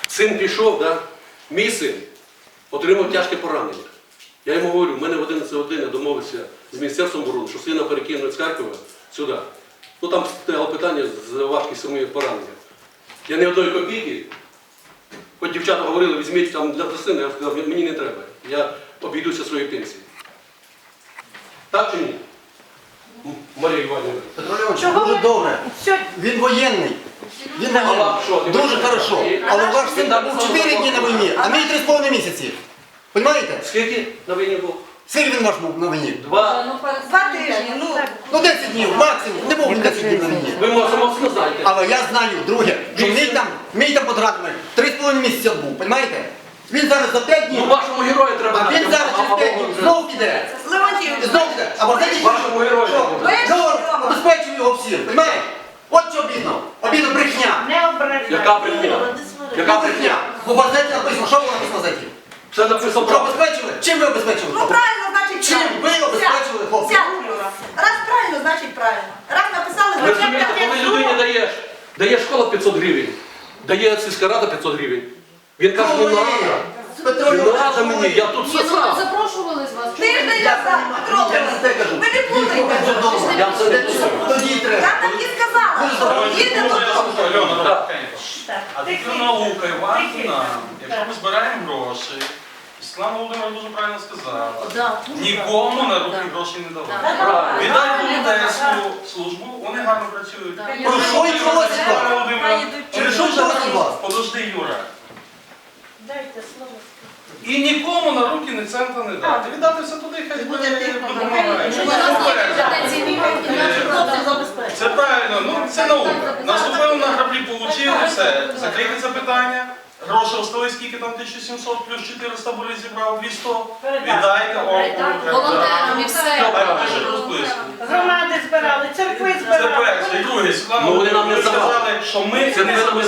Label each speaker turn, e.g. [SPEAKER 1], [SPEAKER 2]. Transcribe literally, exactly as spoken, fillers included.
[SPEAKER 1] Син пішов, да? Мій син отримав тяжке поранення. Я йому говорю, в мене в одинадцять годин я домовився з Міністерством оборони, що сина перекинуть з Харкова сюди. Ну там стояло питання з важкістю моїх поранення. Я ні одної копійки, хоч дівчата говорили, візьміть там для сина, я сказав, мені не треба. Я обійдуся своєю пенсією. Так чи ні? Марія Іванівна.
[SPEAKER 2] Петро Леонідович, дуже добре. Він воєнний. Він воєнний. Дуже хорошо. Але ваш син був чотири дні на війні, а мій три з половиною місяці. Понимаєте?
[SPEAKER 1] Скільки на війні був?
[SPEAKER 2] Скільки він ваш був на війні?
[SPEAKER 1] Два.
[SPEAKER 3] Два тижні, ну.
[SPEAKER 2] Ну десять днів, максимум. Не був він десять днів на війні.
[SPEAKER 1] Ви моцно знаєте.
[SPEAKER 2] Але я знаю, друге, що мій там, мій там подрадний три з половиною місяця був, понимаєте? Він зараз за п'ять днів,
[SPEAKER 1] Ну вашому герою треба.
[SPEAKER 2] а він зараз через п'ять днів знову піде.
[SPEAKER 3] Леонтів,
[SPEAKER 2] Знову піде. А вот знаєте,
[SPEAKER 1] Вашому герою
[SPEAKER 2] що?
[SPEAKER 1] треба.
[SPEAKER 2] Що? Обезпечує його всім, понимаєте? От що обідно. Обідно брехня.
[SPEAKER 3] не ображай.
[SPEAKER 1] Яка брехня?
[SPEAKER 2] Яка брехня? Бо в газеті написано, що було написано в газеті?
[SPEAKER 1] Це написано
[SPEAKER 2] Що
[SPEAKER 1] правда.
[SPEAKER 2] обезпечили? Чим ви обезпечили?
[SPEAKER 3] Ну правильно, значить
[SPEAKER 2] Чим
[SPEAKER 3] правильно.
[SPEAKER 2] ви обезпечили, хлопці?
[SPEAKER 3] Сядь, Юра. Раз правильно, значить правильно. Раз написали,
[SPEAKER 1] Ви
[SPEAKER 3] значить
[SPEAKER 1] розумієте, коли людині даєш, дає школа п'ятсот гривень, дає сільська рада п'ятсот гривень. Він каже, не треба.
[SPEAKER 2] Петро
[SPEAKER 1] Не
[SPEAKER 2] Леонідович,
[SPEAKER 1] треба мені, я тут
[SPEAKER 4] Ні,
[SPEAKER 1] все
[SPEAKER 4] ну ми
[SPEAKER 1] сам.
[SPEAKER 4] запрошували з вас.
[SPEAKER 3] Тиждень назад, Петро
[SPEAKER 2] Я
[SPEAKER 3] Леонідович.
[SPEAKER 2] не те кажу.
[SPEAKER 3] Ви не плутайте.
[SPEAKER 1] Я це не чую.
[SPEAKER 2] Тоді
[SPEAKER 3] Я
[SPEAKER 2] треба.
[SPEAKER 3] так і сказала. Їдьте додому.
[SPEAKER 5] Альона,
[SPEAKER 1] Так.
[SPEAKER 3] Так.
[SPEAKER 5] а тут наука Іванівна, якщо ми збираємо гроші, Світлана Володимирівна дуже правильно сказала,
[SPEAKER 4] Да,
[SPEAKER 5] нікому на руки гроші не давати.
[SPEAKER 1] Правильно.
[SPEAKER 5] Віддай волонтерську службу, вони гарно працюють.
[SPEAKER 4] Да.
[SPEAKER 2] Про що і просить
[SPEAKER 5] Світлана
[SPEAKER 2] вас?
[SPEAKER 5] Володимирівна,
[SPEAKER 2] Через що просить вас?
[SPEAKER 5] подожди, Юра.
[SPEAKER 3] Дайте слово.
[SPEAKER 5] І нікому на руки ні цента не дати. Віддати все туди, хай
[SPEAKER 3] Буде тихо.
[SPEAKER 5] допомагає.
[SPEAKER 4] Щоб у нас є компетенції, наші хлопці забезпечують.
[SPEAKER 5] Це правильно, ну це наука. Наступили на граблі, получили, все. Закрийте це питання. Гроші остались, скільки там тисяча сімсот, плюс чотириста були зібрав, двісті. Віддайте
[SPEAKER 4] Волонтерам і все.
[SPEAKER 5] Хай пише розписку.
[SPEAKER 3] Громади збирали, церкви
[SPEAKER 5] Це
[SPEAKER 3] збирали.
[SPEAKER 5] перше. І друге, Світлана
[SPEAKER 1] Ну, вони нам не
[SPEAKER 5] Володимирівна
[SPEAKER 1] здавали.
[SPEAKER 5] сказали, що ми
[SPEAKER 1] Це
[SPEAKER 5] не
[SPEAKER 1] не
[SPEAKER 5] забезпечуємо.